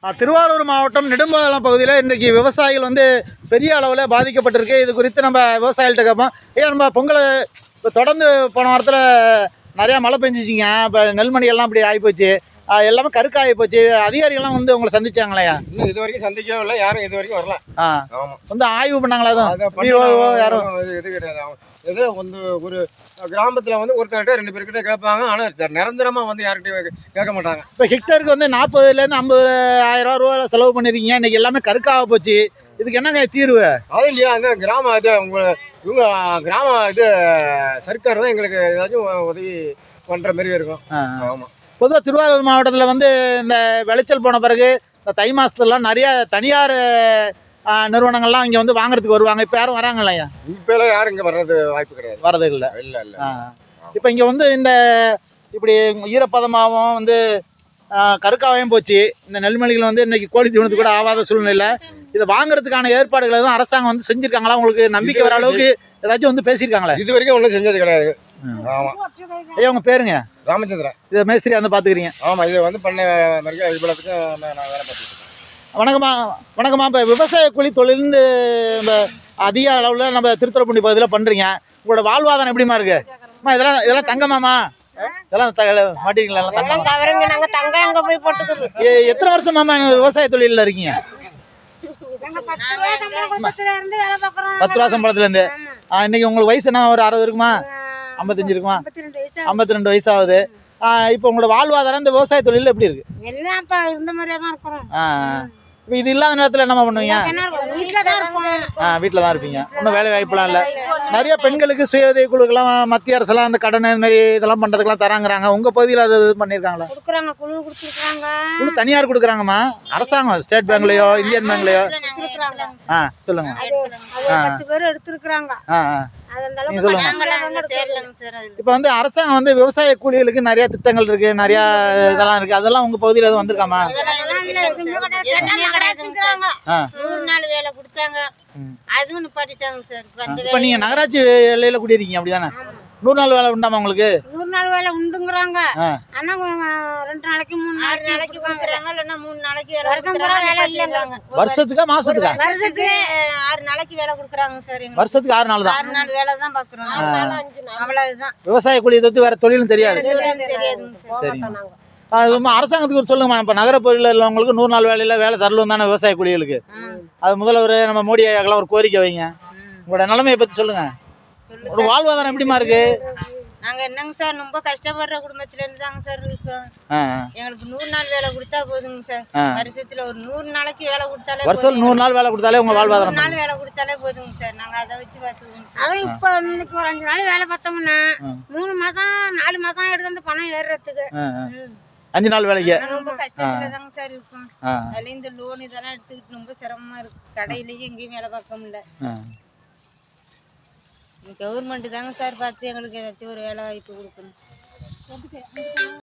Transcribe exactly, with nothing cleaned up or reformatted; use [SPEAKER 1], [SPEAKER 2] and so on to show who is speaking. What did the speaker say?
[SPEAKER 1] திருவாரூர் மாவட்டம் நெடும்பாலம் பகுதியில் இன்றைக்கி விவசாயிகள் வந்து பெரிய அளவில் பாதிக்கப்பட்டிருக்கு. இது குறித்து நம்ம விவசாயிகள்கிட்ட கேட்போம். ஏன் நம்ம பொங்கல் இப்போ தொடர்ந்து போன வாரத்தில் நிறையா மழை பெஞ்சிச்சிங்க. இப்போ நெல்மணிகள்லாம் இப்படி ஆகிப்போச்சு, எல்லாமே கருக்க ஆகிப்போச்சு. அதிகாரிகள்லாம் வந்து உங்களை சந்திச்சாங்களையா?
[SPEAKER 2] இன்னும் இது வரைக்கும் சந்திக்கவே இல்லை, யாரும் இது வரைக்கும் வரல.
[SPEAKER 1] ஆ ஆமாம், வந்து ஆய்வு பண்ணாங்களா? எதுவும் யாரும்
[SPEAKER 2] இது கிடையாது. ஏதோ வந்து ஒரு கிராமத்தில் வந்து ஒருத்தர்கிட்ட ரெண்டு பேர்கிட்ட கேட்பாங்க, ஆனால் நிரந்தரமாக வந்து யார்கிட்டையும் கேட்க மாட்டாங்க.
[SPEAKER 1] இப்போ ஹெக்டருக்கு வந்து நாற்பதுலேருந்து ஐம்பது ஆயிரம் ரூபா செலவு பண்ணிருக்கீங்க. இன்றைக்கி எல்லாமே கருக்காக போச்சு. இதுக்கு என்னங்க தீர்வு?
[SPEAKER 2] அது இல்லையா, அந்த கிராம இது உங்கள் இவங்க கிராம இது சர்க்கார் தான் எங்களுக்கு ஏதாச்சும் உதவி பண்ணுற மாதிரி இருக்கும். ஆமாம்.
[SPEAKER 1] பொதுவாக திருவாரூர் மாவட்டத்தில் வந்து இந்த விளைச்சல் போன பிறகு இந்த தை மாதத்துலலாம் நிறைய தனியார் நிறுவனங்கள்லாம் இங்கே வந்து வாங்குறதுக்கு வருவாங்க. இப்போ யாரும் வராங்க இல்லையா?
[SPEAKER 2] இப்போ யாரும் இங்கே வர்றது வாய்ப்பு கிடையாது,
[SPEAKER 1] வரது இல்லை.
[SPEAKER 2] இல்லை இல்லை
[SPEAKER 1] இப்போ இங்கே வந்து இந்த இப்படி ஈரப்பதமாகவும் வந்து கருக்காவையும் போச்சு. இந்த நெல்மணிகள் வந்து இன்றைக்கி கோழி தீவனத்து கூட ஆகாத சூழ்நிலை. இதை வாங்குறதுக்கான ஏற்பாடுகளை தான் அரசாங்கம் வந்து செஞ்சுருக்காங்களா? உங்களுக்கு நம்பிக்கை வர அளவுக்கு ஏதாச்சும் வந்து பேசியிருக்காங்களா?
[SPEAKER 2] இது வரைக்கும் ஒன்றும் செஞ்சது கிடையாது. ஆமாம்.
[SPEAKER 1] ஐயா உங்கள் பேருங்க?
[SPEAKER 2] ராமச்சந்திரன்.
[SPEAKER 1] இதை மேஸ்திரி வந்து பார்த்துக்கிறீங்க?
[SPEAKER 2] ஆமாம், இதை வந்து பண்ண மாதிரி இவ்வளோத்துக்கு நான் வேலை பார்த்துருக்கேன்.
[SPEAKER 1] வணக்கம்மா. வணக்கம்மா. இப்போ விவசாய கூலி தொழிலிருந்து நம்ம அதிக அளவில் நம்ம திருத்துறைப்பூண்டி பகுதியில் பண்ணுறீங்க. உங்களோட வாழ்வாதாரம் எப்படிமா இருக்கு? அம்மா இதெல்லாம் இதெல்லாம் தங்கமாம்மா? இதெல்லாம் மாட்டீங்களா? எத்தனை வருஷமாம்மா விவசாய தொழிலில் இருக்கீங்க? பத்து ரூபா சம்பளத்துலேருந்து. இன்னைக்கு உங்களுக்கு வயசு என்ன, ஒரு அறுபது இருக்குமா? ஐம்பத்தஞ்சு இருக்குமா? ஐம்பத்தி ரெண்டு வயசு ஆகுது. இப்போ உங்களோட வாழ்வாதாரம் இந்த விவசாய தொழில் எப்படி இருக்கு? இப்போ இது இல்லாத நேரத்தில் என்னம்மா பண்ணுவீங்க? ஆ வீட்டில் தான் இருப்பீங்க. இன்னும் வேலை வாய்ப்புலாம் இல்லை. நிறைய பெண்களுக்கு சுய உதவி குழுக்கெல்லாம் மத்திய அரசுலாம் அந்த கடன் இது மாதிரி இதெல்லாம் பண்ணுறதுக்கெல்லாம் தராங்கிறாங்க. உங்கள் பகுதியில் அது இது பண்ணியிருக்காங்களா? குழு தனியார் கொடுக்குறாங்கம்மா. அரசாங்கம் ஸ்டேட் பேங்க்லையோ இந்தியன் பேங்க்லையோ? ஆ சொல்லுங்க. ஆ ஆ இப்போ வந்து அரசாங்கம் வந்து விவசாய கூலிகளுக்கு நிறைய திட்டங்கள் இருக்கு, நிறைய இதெல்லாம் இருக்கு. அதெல்லாம் உங்க பகுதியில் எதுவும் வந்திருக்காமா? இப்போ நீங்க நகராட்சி எல்லையில குடியிருக்கீங்க அப்படிதானே? நூறு நாள் வேலை உண்டாமா உங்களுக்கு?
[SPEAKER 3] நூறு நாள் வேலை உண்டுங்கிறாங்க. ஆனா ரெண்டு நாளைக்கு மூணு நாளைக்கு கொடுக்குறாங்க, இல்லைன்னா மூணு நாளைக்கு வேலை கொடுக்குறாங்க.
[SPEAKER 1] வருஷத்துக்கா மாசத்துக்கா?
[SPEAKER 3] வருஷத்துக்கு ஆறு நாளைக்கு வேலை கொடுக்குறாங்க சார்.
[SPEAKER 1] வருஷத்துக்கு ஆறு நாள் தான்.
[SPEAKER 3] ஆறு நாள் வேலை தான் பாக்குறோம். அவ்வளவுதான்.
[SPEAKER 1] விவசாய கூலியை தவிர்த்து வேற தொழிலும் தெரியாது?
[SPEAKER 3] தெரியாதுங்க சார்.
[SPEAKER 1] சரிங்க. அது அரசாங்கத்துக்கு ஒரு சொல்லுங்கம்மா. இப்போ நகரப்பகுதியில் உள்ளவங்களுக்கு நூறு நாள் வேலையில் வேலை தரலும் தானே விவசாய கூலிகளுக்கு? அது முதல்வர் நம்ம மோடி ஐயாக்கெல்லாம் ஒரு கோரிக்கை வைங்க. உங்களோட நிலைமையை பற்றி சொல்லுங்க. ஒரு வாழ்வாதாரம் எப்படிமா இருக்கு?
[SPEAKER 3] நாங்க என்னங்க சார், ரொம்ப கஷ்டப்படுற குடும்பத்துல இருந்து தாங்க சார் இருக்கோம். எங்களுக்கு நூறு நாள் வேலை கொடுத்தா போதுங்க சார். வருஷத்துல ஒரு நூறு நாளைக்கு வேலை கொடுத்தாலே,
[SPEAKER 1] வருஷம் நூறு நாள் வேலை கொடுத்தாலே உங்க வாழ்வாதாரம்
[SPEAKER 3] நாள் வேலை கொடுத்தாலே போதுங்க சார். நாங்க அதை வச்சு பார்த்துக்கோங்க. அதான் இப்போ இன்னைக்கு ஒரு அஞ்சு நாள் வேலை பார்த்தோம்னா மூணு மாசம் நாலு மாசம் எடுத்து வந்து பணம் ஏறுறதுக்கு
[SPEAKER 1] அஞ்சு நாள் வேலைக்கு
[SPEAKER 3] ரொம்ப கஷ்டத்துல தாங்க சார் இருக்கும். அதுல இந்த லோன் இதெல்லாம் எடுத்துக்கிட்டு ரொம்ப சிரமமா இருக்கு. கடையிலயும் எங்கேயும் வேலை பார்க்க முடியல. கவர்மெண்ட் தாங்க சார் பார்த்து எங்களுக்கு ஏதாச்சும் ஒரு வேலை வாய்ப்பு கொடுக்கணும்.